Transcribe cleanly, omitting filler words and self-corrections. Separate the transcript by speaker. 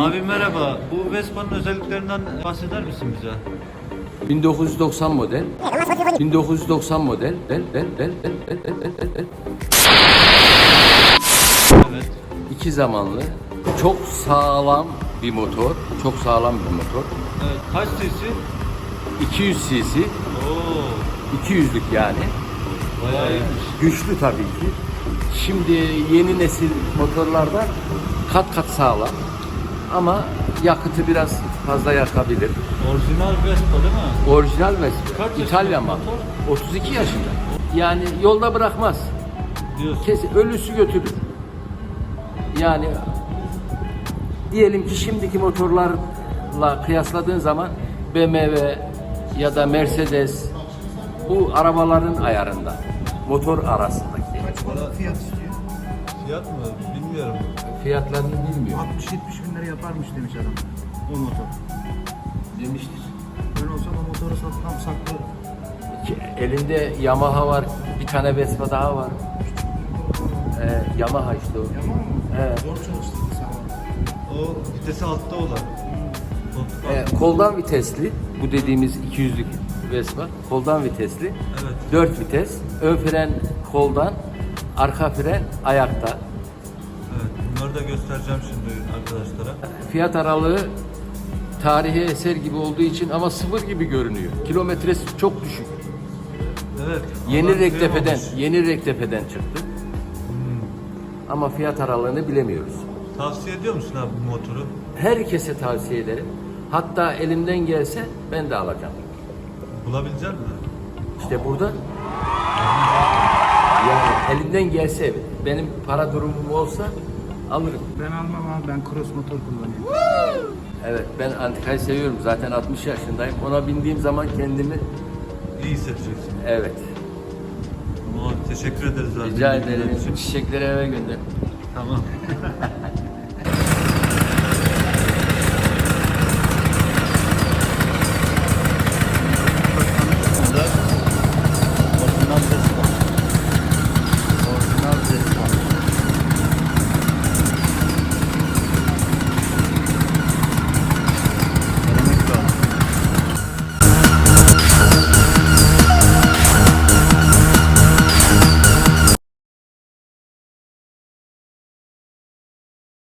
Speaker 1: Abi merhaba. Bu Vespa'nın özelliklerinden bahseder misin bize?
Speaker 2: 1990 model. 1990 model.
Speaker 1: Evet.
Speaker 2: 2 zamanlı. Çok sağlam bir motor. Çok sağlam bir motor.
Speaker 1: Evet. Kaç cc?
Speaker 2: 200 cc.
Speaker 1: Oo.
Speaker 2: 200'lük yani.
Speaker 1: Bayağı iyiymiş.
Speaker 2: Güçlü tabii ki. Şimdi yeni nesil motorlarda kat kat sağlam. Ama yakıtı biraz fazla yakabilir.
Speaker 1: Orijinal Vespa değil mi?
Speaker 2: Orijinal Vespa.
Speaker 1: Kaç yaşında
Speaker 2: İtalyan mal.
Speaker 1: motor?
Speaker 2: 32 yaşında. Yani yolda bırakmaz.
Speaker 1: Diyorsun.
Speaker 2: Kesin ölüsü götürür. Yani diyelim ki şimdiki motorlarla kıyasladığın zaman BMW ya da Mercedes bu arabaların ayarında. Motor arasındaki.
Speaker 3: Kaç para fiyat istiyor?
Speaker 1: Fiyat mı? Bilmiyorum.
Speaker 2: Fiyatlarını bilmiyorum.
Speaker 3: 60-70 bin lira yaparmış demiş adam. O motor.
Speaker 2: Demiştir.
Speaker 3: Ben olsam o motoru satmam, saklarım.
Speaker 2: Elinde Yamaha var, bir tane Vespa daha var. Yamaha işte o.
Speaker 3: Yaman mı?
Speaker 2: Evet.
Speaker 3: Zor çalıştırdı sen.
Speaker 1: O vitesi altta olan.
Speaker 2: Koldan vitesli, bu dediğimiz 200'lük Vespa, koldan vitesli.
Speaker 1: Evet.
Speaker 2: 4 vites, ön fren koldan, arka fren ayakta.
Speaker 1: Evet. Bunları da göstereceğim şimdi arkadaşlara.
Speaker 2: Fiyat aralığı tarihi eser gibi olduğu için ama sıfır gibi görünüyor. Kilometresi çok düşük.
Speaker 1: Evet.
Speaker 2: Yeni
Speaker 1: alan
Speaker 2: Rektepe'den,
Speaker 1: kıyamamış.
Speaker 2: yeni Rektepe'den çıktı. Ama fiyat aralığını bilemiyoruz.
Speaker 1: Tavsiye ediyor musun abi bu motoru?
Speaker 2: Herkese tavsiye ederim. Hatta elimden gelse ben de alacağım.
Speaker 1: Bulabilecek misin?
Speaker 2: İşte burada. Yani elimden gelse, benim para durumum olsa alırım.
Speaker 3: Ben almam abi, ben cross motor kullanıyorum.
Speaker 2: Evet, ben antikayı seviyorum. Zaten 60 yaşındayım. Ona bindiğim zaman kendimi,
Speaker 1: İyi hissedeceksin.
Speaker 2: evet.
Speaker 1: Ama teşekkür ederiz abi.
Speaker 2: Rica
Speaker 1: bilgiler
Speaker 2: ederim.
Speaker 1: için.
Speaker 2: Çiçekleri eve gönder.
Speaker 1: Tamam.